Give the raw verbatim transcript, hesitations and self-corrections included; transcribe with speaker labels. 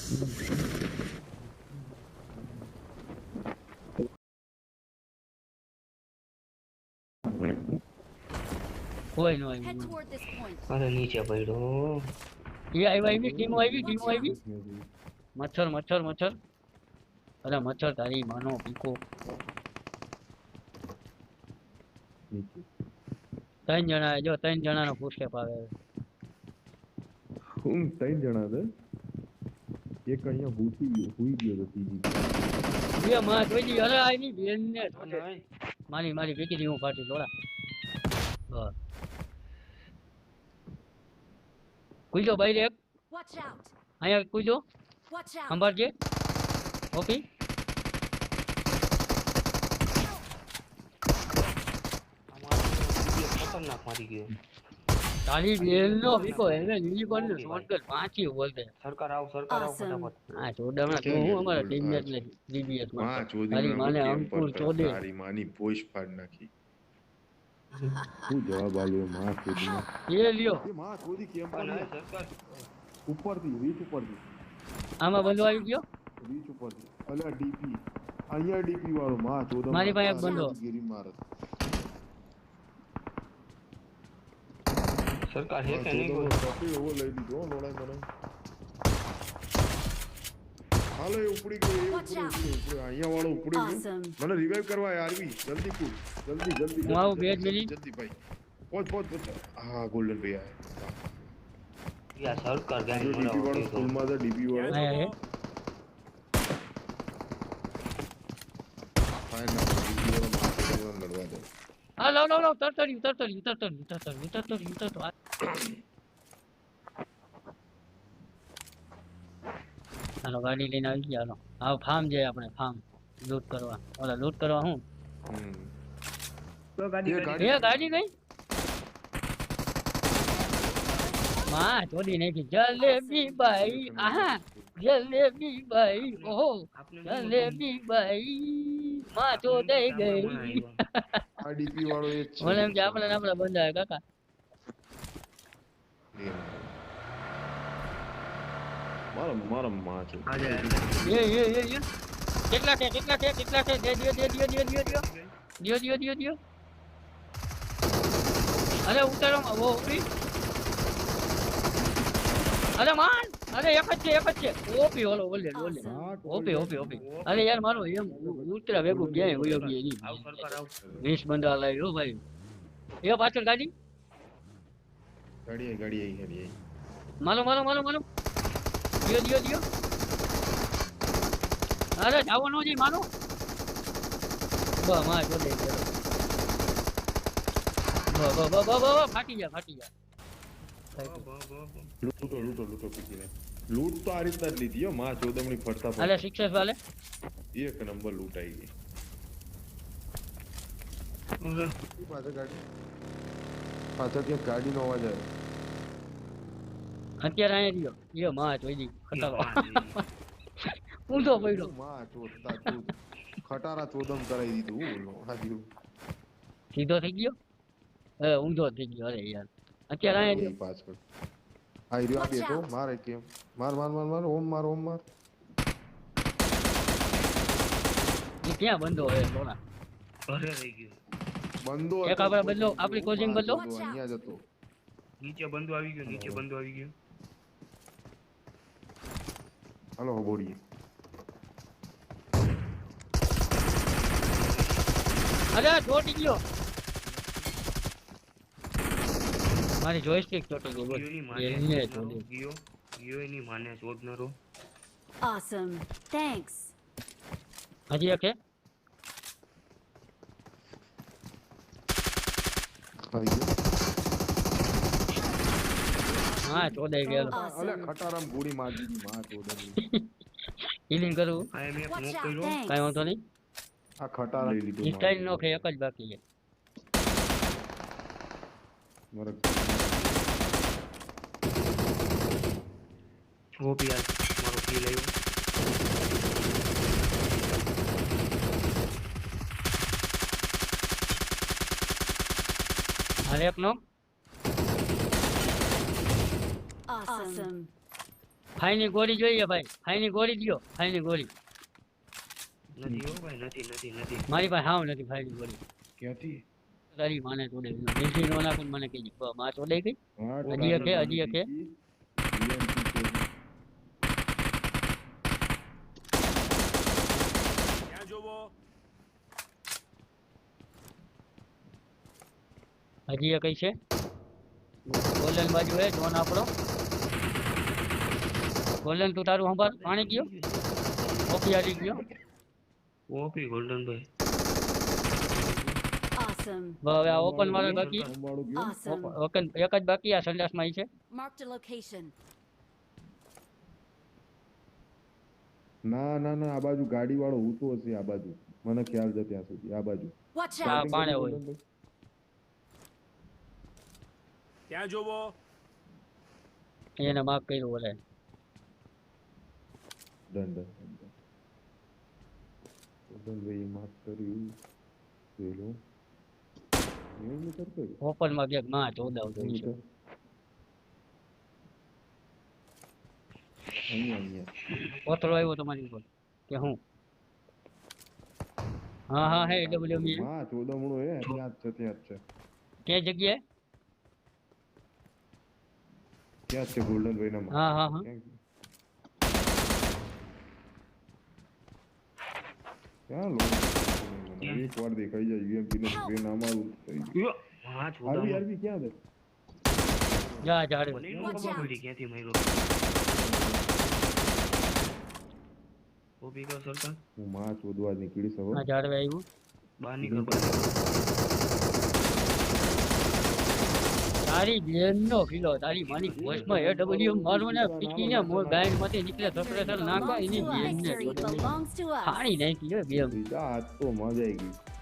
Speaker 1: કોઈ નો આવી
Speaker 2: અરે નીચે પડ્યો
Speaker 1: એ આવી આવી ટીમો આવી ટીમો આવી મચ્છર મચ્છર મચ્છર અરે મચ્છર તારી માનો પીકો ત્રણ જણા જો ત્રણ જણા નો પુષ્કેપ આવે
Speaker 3: હું ત્રણ જણા છે એક અહીંયા ભૂસી ગયો હુઈ ગયો તો ત્રીજી
Speaker 1: બે માં જોઈ અરે આની બેન ને મારી મારી ભેગી દી હું ફાટી દોડા બસ કુઈજો બાઈ એક અહીંયા કુઈજો સંભાળજે ઓપી
Speaker 2: ખતરનાક મારી ગયો
Speaker 1: તારી બેન નો પીકો એને નીલી કોણ ને શોટ કર પાંચી બોલતે
Speaker 2: સરકાર આવ સરકાર આવ ફટાફટ
Speaker 1: હા ચોડામણા તો હું અમારા ટીમ મેચ ને ડીબીએસ માં
Speaker 3: માં ચોદી
Speaker 1: તારી માને અંકુર ચોદે
Speaker 3: તારી માની પોશ ફાડ નાખી શું જવાબ આલ્યો માં ચોદી
Speaker 1: એ લ્યો
Speaker 3: એ માં ચોદી કેમ
Speaker 2: પણ
Speaker 3: પાડે
Speaker 2: સરકાર
Speaker 3: ઉપરથી વીસ ઉપરથી
Speaker 1: આમાં બંધો આવી ગયો
Speaker 3: વીસ ઉપરથી અલ્યા ડીપી અહીંયા ડીપી વાળો માં ચોદા
Speaker 1: મારી પાસે એક બંધો.
Speaker 3: ગીરી મારત
Speaker 2: સરકાર હે કે નહીં બોલ
Speaker 3: ટોપી ઓવર લઈ લીધો હો, લોડાઈ મને હાલો એ ઉપડી ગયો એ ઉપડી ગયો ઉપડી અહીંયા વાળો ઉપડી ગયો મને રિવાઇવ કરવા આરવી જલ્દી કૂદ જલ્દી જલ્દી
Speaker 1: હું આવું બે જ મિનિટ
Speaker 3: જલ્દી ભાઈ પહોંચ પહોંચ પહોંચ હા ગોલ્ડન ભાઈ આયા
Speaker 2: યા સરકાર ગાડી
Speaker 3: ડીપી વાળો
Speaker 2: મરાવો
Speaker 3: સ્કૂલમાં તો ડીપી વાળો
Speaker 1: આયા હે
Speaker 3: ફાઈન ના ડીપી વાળો માથે લડવા દે
Speaker 1: હા લાવ લાવ લાવ તરતરી તરતરી તરતરી તરતરી તરતરી તરતરી હાલો ગાડી લઈને આવી ગયા હાલો હા ફાર્મ જાય આપણે ફાર્મ લૂટ કરવા ઓલા લૂટ કરવા હું
Speaker 3: હમ
Speaker 2: તો ગાડી
Speaker 3: એ
Speaker 1: એ
Speaker 3: ગાડી
Speaker 1: ગાડી ગઈ માં ચોરી નાખી જલેબી બાઈ આહા જલેબી બાઈ ઓહો જલેબી બાઈ માં ચોદાઈ ગઈ
Speaker 3: આ ડીપી વાળો એ જ છે
Speaker 1: મને એમ કે આપણે ને આપણે બંધાય કાકા
Speaker 3: મારો મારો માં છે
Speaker 1: એ એ એ એ કેટલા છે કેટલા છે કેટલા છે દે દિયો દે દિયો દિયો દિયો દિયો દિયો દિયો દિયો દિયો અરે ઉતારો માં વો ઉપરી અરે માન અરે એક જ છે એક જ છે ઓપી ઓલો ઓલે ઓલે ઓપી ઓપી ઓપી અરે યાર મારો એમ ઉતરા ભેગું ગયા હોય ગઈ એની
Speaker 2: આવ સરકાર આવ
Speaker 1: વીસ બંદા લાવ્યો ભાઈ એ પાછળ ગાડી
Speaker 3: ગાડી આઈ ગાડી આઈ ગાડી આઈ
Speaker 1: મારો મારો મારો મારો દિયો દિયો દિયો અરે જાવો નો જી મારો બા માં જો દે બા બા બા બા બા ફાટી જા ફાટી જા
Speaker 3: લૂટો લૂટો લૂટો પીકીને લૂટ તો આ રીતના જ લીધી હો માં ચોદમણી ફરતા
Speaker 1: અરે
Speaker 3: ફરતા
Speaker 1: સિક્સેસ વાલે
Speaker 3: એક નંબર લૂટ આવી ગઈ પાછળ ગાડી પાછળ ત્યાં ગાડીનો અવાજ આવ્યો
Speaker 1: અત્યારે અહીંયા રહ્યો એ માં જોઈ દી ખટારો ઊંધો પડ્યો
Speaker 3: માં ચોદતા તું ખટારા ચોદમ કરાવી દીધું હું બોલો હાજી
Speaker 1: સીધો થઈ ગયો એ ઊંધો થઈ ગયો અરે યાર અત્યારે અહીંયા રહ્યો
Speaker 3: પાછળ આઈ રહ્યો આપી તો મારે કેમ માર માર માર માર ઓમ માર ઓમ માર
Speaker 1: એ ક્યાં બંધો હોય લોલા
Speaker 2: ઘરે રહી ગયો
Speaker 3: બંદો
Speaker 1: એક આપણે બદલો આપણી કોચિંગ બદલો
Speaker 3: અહીંયા જ હતો
Speaker 2: નીચે બંધો આવી ગયો નીચે બંધો આવી ગયો
Speaker 3: હાલો બોડીએ
Speaker 1: અરે ચોટી ગયો મારી જોઈસ્ટિક ચોટી ગઈ બોલ
Speaker 2: ગયોની
Speaker 1: એને
Speaker 2: માને
Speaker 1: ચોટી
Speaker 2: ગયો ગયો એની માને શોધનારો
Speaker 4: Awesome. Thanks.
Speaker 1: હજી એક હે
Speaker 3: આવી ગયો
Speaker 1: હા ચોદાઈ ગયેલો
Speaker 3: અલે ખટારામ ગોળી મારી દીધી માં ચોદમણી
Speaker 1: હીલિંગ કરું
Speaker 2: આ એમ એક
Speaker 4: Watch
Speaker 2: નોક
Speaker 4: out.
Speaker 2: કર્યો
Speaker 4: Thanks.
Speaker 1: કાંઈ વાંધો નહીં
Speaker 3: આ ખટારા લઈ લીધું
Speaker 1: ઇન્સ્ટાઇલ નો કે એક જ બાકી છે
Speaker 3: મારા
Speaker 2: ઓપી આ મારો કિલ આવ્યો
Speaker 1: અરે એક નો
Speaker 4: Awesome.
Speaker 1: ફાઈની ગોળી જોઈએ ભાઈ, ફાઈની ગોળી દ્યો, ફાઈની ગોળી.
Speaker 2: નથી હો ભાઈ, નથી નથી નથી.
Speaker 1: મારી પાસે હાવ નથી ફાઈની ગોળી.
Speaker 3: ક્યાંથી
Speaker 1: તારી માને તોડે બેસી નો નાખું મને કહેજે માં તોડે ગઈ.
Speaker 3: હા
Speaker 1: હજી એક હે, હજી એક હે. હજી એક છે ગોલ્ડન બાજુ હે જોન આપણો. ગોલ્ડન તું તારું સંભાળ, પાણી ગયો ઓપી આવી ગયો.
Speaker 2: ઓપી ગોલ્ડન ભાઈ.
Speaker 4: Awesome.
Speaker 1: હવે આ ઓપન વાળો બાકી,
Speaker 3: અંબાડું ગયું
Speaker 4: Awesome.
Speaker 1: ઓપન એક જ બાકી આ સંડાસમાં ઈ છે.
Speaker 4: Marked a location.
Speaker 3: ના ના ના આ બાજુ ગાડી વાળો ઊંચો હશે આ બાજુ મને ખ્યાલ છે ત્યાં સુધી આ બાજુ
Speaker 4: Watch
Speaker 1: હા
Speaker 4: out.
Speaker 1: પાણે હોય.
Speaker 5: ત્યાં જોવો
Speaker 1: એને માર્ક કર્યું બોલે.
Speaker 3: ડન ડન ડન ભાઈ માફ કર્યું જોઈ લો એવું નહીં કરતો
Speaker 1: ઓપન માં ક્યાંક માં ચોદાવ જોઈ છે.
Speaker 3: અહીંયા અહીંયા
Speaker 1: કોથળો આવ્યો તમારી ઉપર કે હું? હા હા હે ડબલ્યુ મી.
Speaker 3: હા ચોદમણું હે ત્યાં જ છે ત્યાં જ છે
Speaker 1: કે જગ્યાએ?
Speaker 3: ત્યાં જ છે ગોલ્ડન ભાઈ ના
Speaker 1: હા હા હા
Speaker 3: ક્યાં લો એક વાર દેખાઈ જાય યુએમપી ને ટ્રેન અમારું થઈ ગયું
Speaker 2: યો, હા
Speaker 3: આરવી
Speaker 2: છોડા.
Speaker 3: આરવી ક્યાં છે
Speaker 1: જા ઝાડ.
Speaker 2: મને નો ખબર પડી ક્યાંથી માર્યો. ઓપી કા સરકાર
Speaker 3: હું માં ચોદવા નીકળી સવો
Speaker 1: આ ઝાડ આવ્યું.
Speaker 2: બહાર નીકળ બહાર નીકળ.
Speaker 1: તારી બેન નો કિલો તારી માની ભોજમાં એ ડબલ્યુ મારું ને પીકીને મોર ગાયન માંથી નીકળે સપ્રેસર નાખો એની બેન ને
Speaker 4: Victory belongs to us.
Speaker 1: ફાડી નાખી હે બે.
Speaker 3: બીજા આજ તો મજા આવી ગઈ